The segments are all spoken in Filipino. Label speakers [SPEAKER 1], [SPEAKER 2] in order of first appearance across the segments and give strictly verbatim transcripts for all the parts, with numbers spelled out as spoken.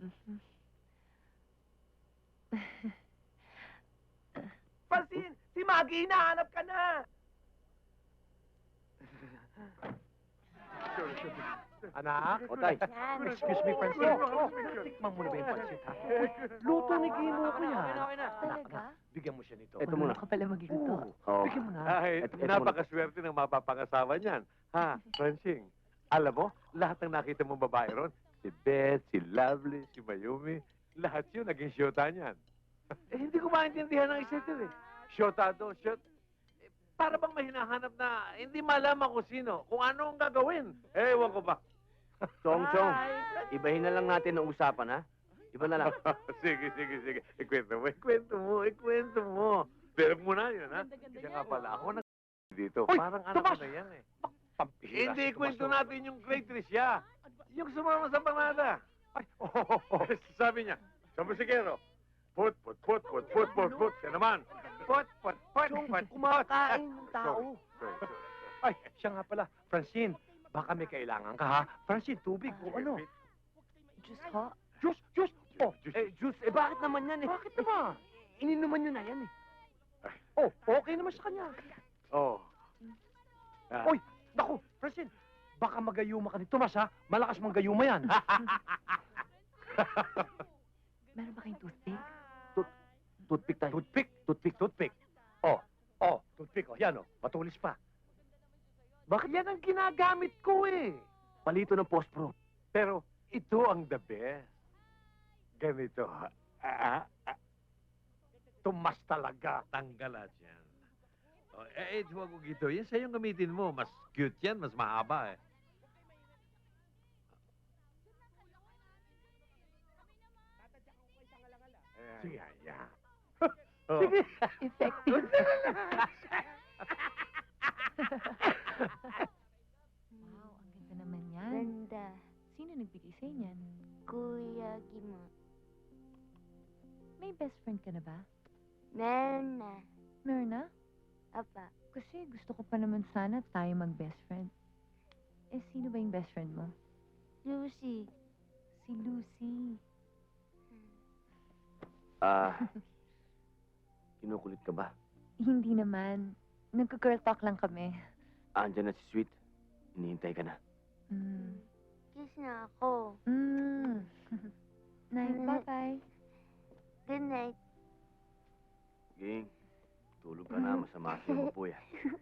[SPEAKER 1] Francine! Si Maggie, hinahanap ka na!
[SPEAKER 2] Anak?
[SPEAKER 3] Otay.
[SPEAKER 2] Excuse me, Francine. Tikman mo na ba yung pansit, ha? Luto ni Gino ko yan.
[SPEAKER 4] Talaga?
[SPEAKER 2] Bigyan mo siya nito.
[SPEAKER 3] Ito muna.
[SPEAKER 4] Ano ka pala magluto?
[SPEAKER 2] Oo.
[SPEAKER 3] Oo.
[SPEAKER 2] Bigyan mo na.
[SPEAKER 5] Ay,
[SPEAKER 3] Ito- ito
[SPEAKER 5] napakaswerte ng mapapangasawa niyan. Ha, Francine? Alam mo, lahat ng nakita mong babae ron, si Beth, si Lovely, si Mayumi, lahat yun naging syota niyan. Eh, hindi ko maintindihan ng isa't eh. Syota do, syot. Eh, para bang may hinahanap na hindi malaman kung sino, kung ano ang gagawin. Eh, ewan ko ba.
[SPEAKER 3] Chong, Chong. Ibahin na lang natin ang usapan, ha? Iba na lang.
[SPEAKER 5] sige, sige, sige. Ikwento mo, ikwento mo, ikwento mo. Pero muna yun, ha?
[SPEAKER 4] Ganda-ganda
[SPEAKER 5] Kaya
[SPEAKER 4] yan.
[SPEAKER 5] nga pala, ako na dito.
[SPEAKER 2] Uy,
[SPEAKER 5] Parang ano
[SPEAKER 2] Tomas!
[SPEAKER 5] ko na yan eh.
[SPEAKER 2] Pampihira
[SPEAKER 5] Hindi,
[SPEAKER 2] si Tomas,
[SPEAKER 5] kwento
[SPEAKER 2] oh.
[SPEAKER 5] natin yung Great Tricia. Yung sumama sa panada.
[SPEAKER 2] Ay, oh, oh, oh.
[SPEAKER 5] Sabi niya, sa musikero, put, put, put, put, put, put, put. Siya naman, put, put, put,
[SPEAKER 2] Chong,
[SPEAKER 5] put.
[SPEAKER 2] kumakain ng tao.
[SPEAKER 5] Sorry, sorry, sorry.
[SPEAKER 2] Ay, siya nga pala. Francine, baka may kailangan ka, ha? Francine, tubig o ano?
[SPEAKER 4] Diyos ho?
[SPEAKER 2] Juice, juice. Oh,
[SPEAKER 3] Eh, Juice, eh bakit naman yan eh?
[SPEAKER 2] bakit naman?
[SPEAKER 3] Ininuman nyo na yan eh.
[SPEAKER 2] Oh, okay naman sa kanya.
[SPEAKER 5] Oh. Ah,
[SPEAKER 2] Uy, naku, Francine, baka magayuma ka ni Tomas, ha? Malakas mang gayuma yan.
[SPEAKER 4] Meron ba kayong toothpick?
[SPEAKER 3] Toothpick tayo.
[SPEAKER 2] Toothpick, toothpick, toothpick. Oh, oh, toothpick, oh, yan, oh, matulis pa. Bakit yan ang ginagamit ko, eh?
[SPEAKER 3] Palito ng post-pro.
[SPEAKER 5] pero ito ang the best. Ganito, ha? Ah, ah,
[SPEAKER 2] Tomas talaga.
[SPEAKER 5] tanggalat yan. Oh, eh, eh, huwag ko gito. Yan sa'yo gamitin mo. Mas cute yan, mas mahaba eh. Ayan,
[SPEAKER 2] Sige.
[SPEAKER 5] yan, yan. Oh.
[SPEAKER 2] Sige.
[SPEAKER 4] Effective. Wow, ang ganda naman yan.
[SPEAKER 6] Ganda.
[SPEAKER 4] Sino nagbigay sa inyan?
[SPEAKER 6] Kuya Gimo.
[SPEAKER 4] May best friend ka na ba?
[SPEAKER 6] Meron na.
[SPEAKER 4] Meron na?
[SPEAKER 6] Apa.
[SPEAKER 4] Kasi gusto ko pa naman sana tayo mag-best friend. Eh, sino ba yung best friend mo?
[SPEAKER 6] Lucy.
[SPEAKER 4] Si Lucy.
[SPEAKER 3] Ah, kinukulit ka ba?
[SPEAKER 4] Hindi naman. Nagka-girl talk lang kami.
[SPEAKER 3] Andiyan na si Sweet. Hinihintay ka na.
[SPEAKER 4] Mm.
[SPEAKER 6] Kiss na ako.
[SPEAKER 4] Mm. Night, bye-bye.
[SPEAKER 6] Good night.
[SPEAKER 3] Ging, tulog ka na. Masama sa iyo po yan.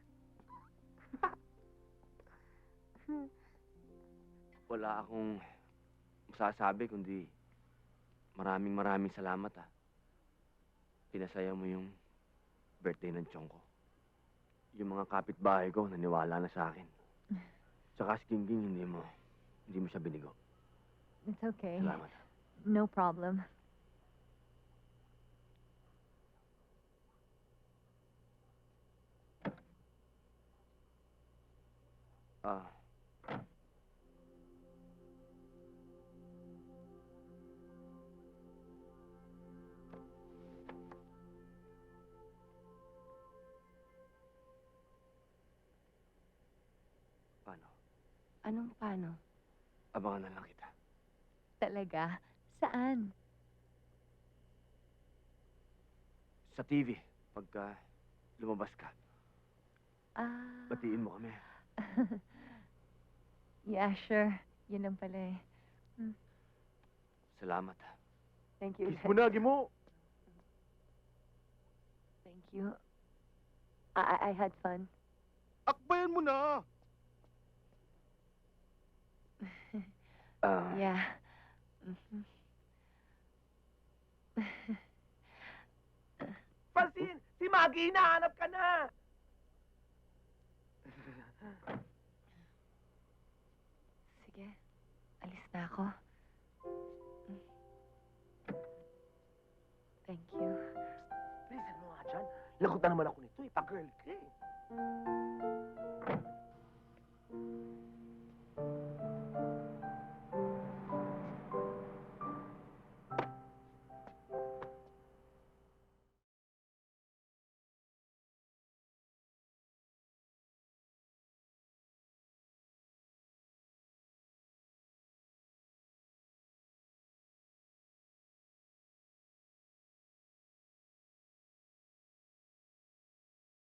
[SPEAKER 3] Wala akong masasabi kundi maraming maraming salamat ah. Pinasaya mo yung birthday ng Chong ko. Yung mga kapitbahay ko naniwala na sa akin. Tsaka si Gingging hindi mo, hindi mo siya binigo.
[SPEAKER 4] It's okay.
[SPEAKER 3] Salamat.
[SPEAKER 4] No problem.
[SPEAKER 3] Ah. Paano?
[SPEAKER 4] Anong paano?
[SPEAKER 3] Abangan na lang kita.
[SPEAKER 4] Talaga? Saan?
[SPEAKER 3] Sa T V, pagka lumabas ka,
[SPEAKER 4] Ah.
[SPEAKER 3] batiin mo kami.
[SPEAKER 4] Yeah, sure. Yun lang pala eh.
[SPEAKER 3] Salamat ah.
[SPEAKER 4] Thank you.
[SPEAKER 2] Kiss mo na, Gimo.
[SPEAKER 4] Thank you. I, I, I had fun.
[SPEAKER 2] Akbayan mo na.
[SPEAKER 3] Ah,
[SPEAKER 4] Yeah. Mhm.
[SPEAKER 1] Francine! Si Maggie, hinahanap ka na!
[SPEAKER 4] Sige. Alis na ako. Thank you.
[SPEAKER 2] Please, ano nga dyan? Lagot na naman ako nito, eh. Pa-girl ka, eh.